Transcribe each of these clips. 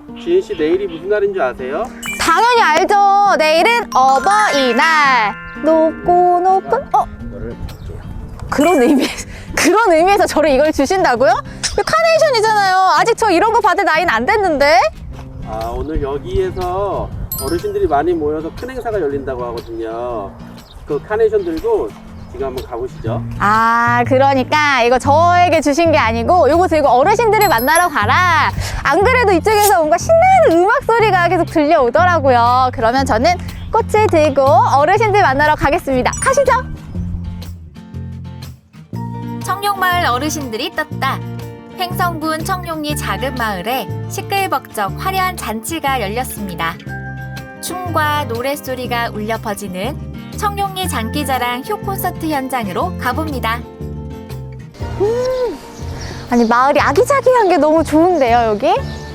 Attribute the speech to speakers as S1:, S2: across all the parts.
S1: 지은 씨 내일이 무슨 날인 줄 아세요?
S2: 당연히 알죠. 내일은 어버이날. 높고 높은
S1: 너를 줄게요.
S2: 그런 의미에서 저를 이걸 주신다고요? 이거 카네이션이잖아요. 아직 저 이런 거 받을 나이는 안 됐는데.
S1: 아, 오늘 여기에서 어르신들이 많이 모여서 큰 행사가 열린다고 하거든요. 그 카네이션 들고 지금 한번 가보시죠.
S2: 아, 그러니까 이거 저에게 주신 게 아니고 이거 들고 어르신들을 만나러 가라. 안 그래도 이쪽에서 뭔가 신나는 음악 소리가 계속 들려오더라고요. 그러면 저는 꽃을 들고 어르신들 만나러 가겠습니다. 가시죠.
S3: 청룡마을 어르신들이 떴다. 횡성군 청룡리 작은 마을에 시끌벅적 화려한 잔치가 열렸습니다. 춤과 노랫소리가 울려 퍼지는 청룡리 장기자랑 효 콘서트 현장으로 가봅니다.
S2: 아니, 마을이 아기자기한 게 너무 좋은데요, 여기?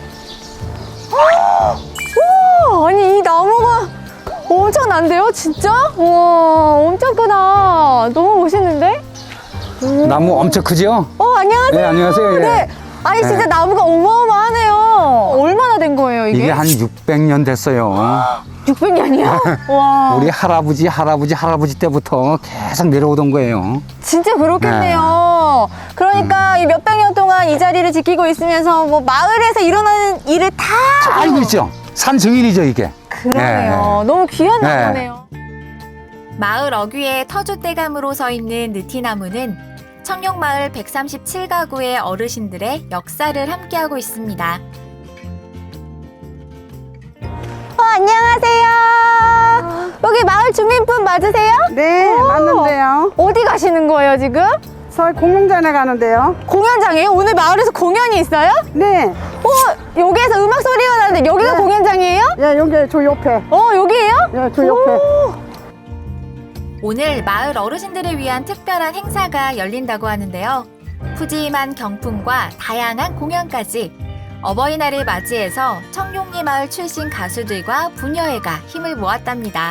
S2: 와, 아니, 이 나무가 엄청난데요, 진짜? 와, 엄청 크다. 너무 멋있는데?
S4: 나무 엄청 크죠?
S2: 안녕하세요.
S4: 네, 안녕하세요. 예.
S2: 네. 아니, 진짜
S4: 네.
S2: 나무가 어마어마하네요. 얼마나 된 거예요, 이게?
S4: 이게 한 600년 됐어요.
S2: 600년이요? 와.
S4: 우리 할아버지 때부터 계속 내려오던 거예요.
S2: 진짜 그렇겠네요. 그러니까 이 몇백 년 동안 이 자리를 지키고 있으면서 뭐 마을에서 일어나는 일을 다
S4: 알고 있죠? 산 증인이죠, 이게.
S2: 그러네요. 너무 귀한
S4: 네.
S2: 나무네요.
S3: 마을 어귀에 터줏대감으로 서 있는 느티나무는 청룡마을 137가구의 어르신들의 역사를 함께하고 있습니다.
S2: 안녕하세요. 여기 마을 주민분 맞으세요?
S5: 네, 맞는데요.
S2: 어디 가시는 거예요, 지금?
S5: 서울 공룡전에 가는데요.
S2: 공연장이에요? 오늘 마을에서 공연이 있어요?
S5: 네,
S2: 여기에서 음악 소리가 나는데 여기가
S5: 네.
S2: 공연장이에요?
S5: 예, 여기 저 옆에.
S2: 여기에요?
S5: 예, 저 옆에.
S3: 오늘 마을 어르신들을 위한 특별한 행사가 열린다고 하는데요. 푸짐한 경품과 다양한 공연까지 어버이날을 맞이해서 청룡리 마을 출신 가수들과 부녀회가 힘을 모았답니다.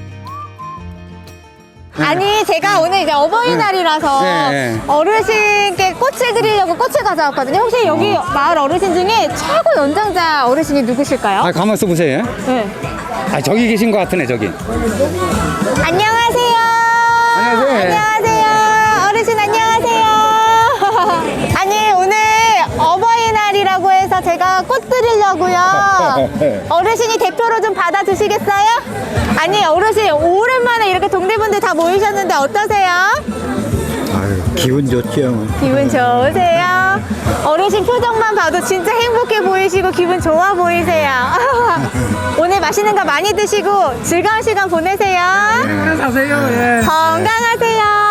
S2: 아니, 제가 오늘 이제 어버이날이라서
S4: 네.
S2: 어르신께 꽃을 드리려고 꽃을 가져왔거든요. 혹시 여기 마을 어르신 중에 최고 연장자 어르신이 누구실까요?
S4: 아, 가만 있어 보세요.
S2: 네.
S4: 아, 저기 계신 것 같으네, 저기.
S2: 안녕하세요.
S4: 안녕하세요.
S2: 안녕하세요. 어르신 안녕하세요. 아니, 오늘 어버이날이라고 해서 제가 꽃 드리려고요. 어르신이 대표로 좀 받아주시겠어요? 아니, 어르신 오랜만에 이렇게 동네분들 다 모이셨는데 어떠세요?
S4: 아유, 기분 좋죠.
S2: 기분 좋으세요? 어르신 표정만 봐도 진짜 행복해 보이시고 기분 좋아 보이세요. 오늘 맛있는 거 많이 드시고 즐거운 시간 보내세요.
S5: 사세요, 예.
S2: 건강하세요.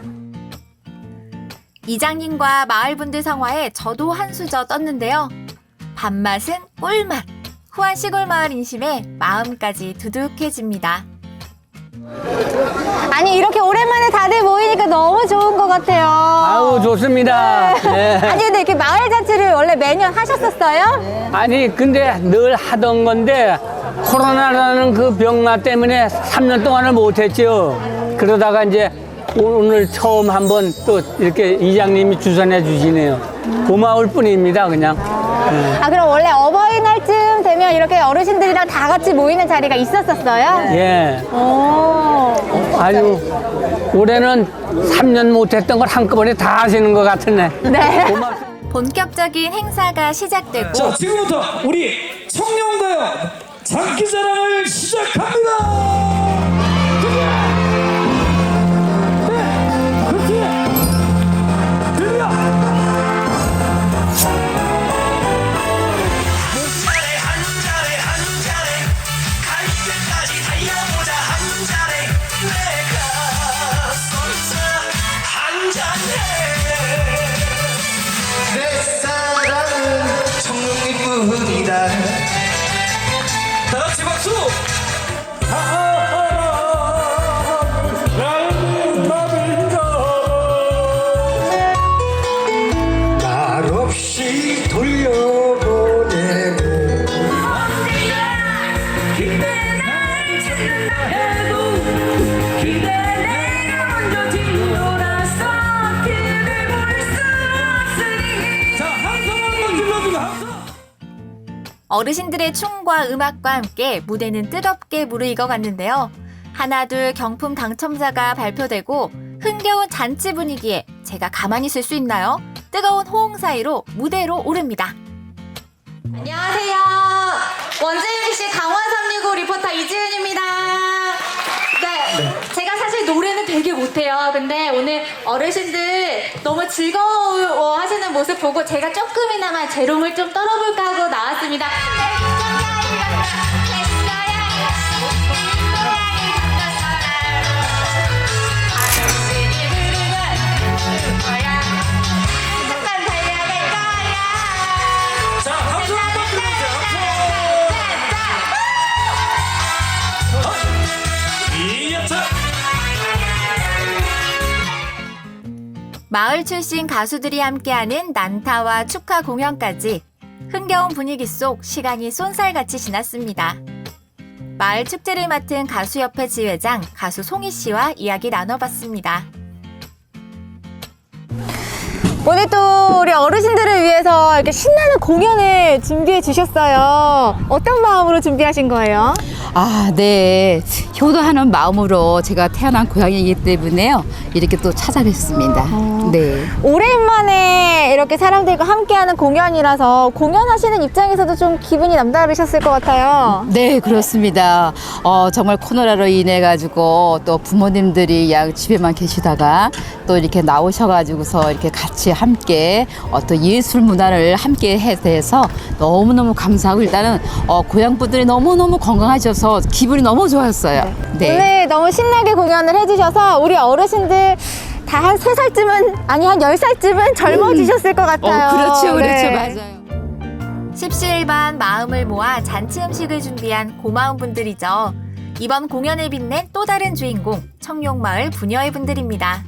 S3: 이장님과 마을분들 성화에 저도 한 수저 떴는데요. 밥맛은 꿀맛. 후한 시골 마을 인심에 마음까지 두둑해집니다.
S2: 아니, 이렇게 오랜만에 다들 모이니까 너무 좋은 것 같아요.
S6: 아우 좋습니다. 네.
S2: 아니, 근데 이렇게 마을 잔치를 원래 매년 하셨었어요?
S6: 아니 근데 늘 하던 건데 코로나라는 그 병마 때문에 3년 동안을 못했죠. 그러다가 이제 오늘 처음 한번 또 이렇게 이장님이 주선해 주시네요. 고마울 뿐입니다, 그냥.
S2: 아, 그럼 원래 어버이날쯤 되면 이렇게 어르신들이랑 다 같이 모이는 자리가 있었었어요?
S6: 예.
S2: 오.
S6: 아주 올해는 3년 못했던 걸 한꺼번에 다 하시는 것 같으네.
S2: 네.
S6: 고맙습니다.
S3: 본격적인 행사가 시작되고
S7: 자, 지금부터 우리 청룡가요 장기자랑을 시작합니다.
S8: 내 사랑은 청룡이뿐이다.
S7: 다 같이 박수.
S8: 날 없이 돌려보내고
S7: 자, 함성 한번 질러주고 함성.
S3: 어르신들의 춤과 음악과 함께 무대는 뜨겁게 무르익어 갔는데요. 하나둘 경품 당첨자가 발표되고 흥겨운 잔치 분위기에 제가 가만히 있을 수 있나요? 뜨거운 호응 사이로 무대로 오릅니다.
S2: 안녕하세요. 원주 MBC 강원 365 리포터 이지은입니다. 네, 제가 사실 노래는 되게 못해요. 근데 오늘 어르신들 너무 즐거워하시는 모습 보고 제가 조금이나마 재롱을 좀 떨어볼까 하고 나왔습니다.
S7: 자, 박수 한번 드려주세요. 이야차.
S3: 마을 출신 가수들이 함께하는 난타와 축하 공연까지 흥겨운 분위기 속 시간이 쏜살같이 지났습니다. 마을 축제를 맡은 가수협회 지회장 가수 송희 씨와 이야기 나눠봤습니다.
S2: 오늘 또 우리 어르신들을 위해서 이렇게 신나는 공연을 준비해 주셨어요. 어떤 마음으로 준비하신 거예요?
S9: 아, 네. 효도하는 마음으로 제가 태어난 고향이기 때문에요. 이렇게 또 찾아뵙습니다. 네.
S2: 오랜만에 이렇게 사람들과 함께하는 공연이라서 공연하시는 입장에서도 좀 기분이 남다르셨을 것 같아요.
S9: 네, 그렇습니다. 정말 코로나로 인해 가지고 또 부모님들이 양 집에만 계시다가 또 이렇게 나오셔가지고서 이렇게 같이 함께 어떤 예술 문화를 함께 해서 너무너무 감사하고 일단은 고향 분들이 너무너무 건강하셔서 기분이 너무 좋았어요. 네.
S2: 오늘 너무 신나게 공연을 해주셔서 우리 어르신들 다 한 3살쯤은 아니 한 10살쯤은 젊어지셨을 것 같아요.
S9: 그렇죠, 그렇죠,
S2: 네.
S9: 맞아요.
S3: 십시일반 마음을 모아 잔치 음식을 준비한 고마운 분들이죠. 이번 공연을 빛낸 또 다른 주인공 청룡마을 부녀의 분들입니다.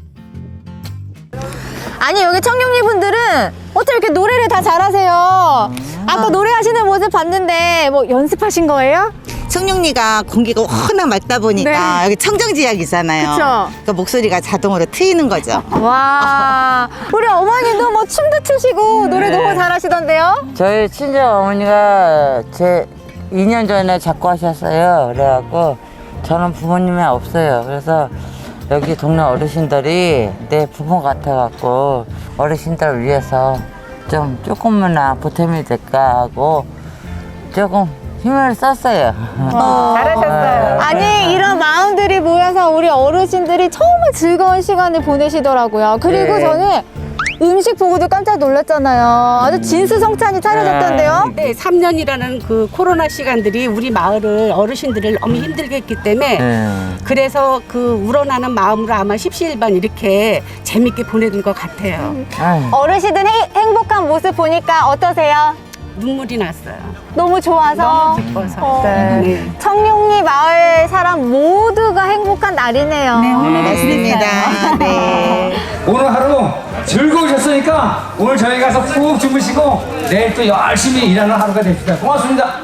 S2: 아니 여기 청룡리 분들은 어떻게 이렇게 노래를 다 잘하세요? 아까 노래하시는 모습 봤는데 뭐 연습하신 거예요?
S10: 청룡리가 공기가 워낙 맑다 보니까
S2: 네.
S10: 여기 청정지역이잖아요.
S2: 그쵸.
S10: 그러니까 목소리가 자동으로 트이는 거죠.
S2: 와 우리 어머니도 뭐 춤도 추시고 노래 너무 잘하시던데요?
S11: 저희 친정 어머니가 제 2년 전에 작고 하셨어요. 그래갖고 저는 부모님이 없어요. 그래서 여기 동네 어르신들이 내 부모 같아갖고 어르신들을 위해서 좀 조금이나 보탬이 될까 하고 조금 힘을 썼어요.
S2: 잘하셨어요. 아니 이런 마음들이 모여서 우리 어르신들이 정말 즐거운 시간을 보내시더라고요. 그리고
S11: 네.
S2: 저는 음식 보고도 깜짝 놀랐잖아요. 아주 진수성찬이 차려졌던데요.
S5: 네, 3년이라는 그 코로나 시간들이 우리 마을을 어르신들을 너무 힘들게 했기 때문에 그래서 그 우러나는 마음으로 아마 십시일반 이렇게 재밌게 보내는 것 같아요.
S2: 어르신들 행복한 모습 보니까 어떠세요?
S5: 눈물이 났어요.
S2: 너무 좋아서.
S5: 너무 기뻐서. 네.
S2: 청룡리 마을 사람 모두가 행복한 날이네요.
S10: 맞습니다. 네.
S7: 오늘 하루 즐거우셨으니까 오늘 저희 가서 푹 주무시고 내일 또 열심히 일하는 하루가 됩시다. 고맙습니다.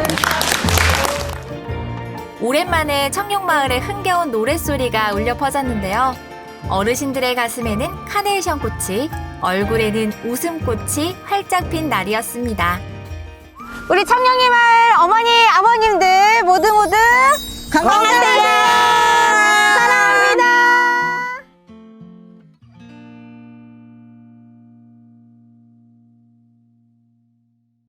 S3: 오랜만에 청룡마을의 흥겨운 노랫소리가 울려 퍼졌는데요. 어르신들의 가슴에는 카네이션 꽃이, 얼굴에는 웃음꽃이 활짝 핀 날이었습니다.
S2: 우리 청룡리 마을 어머니, 아버님들 모두 건강하세요.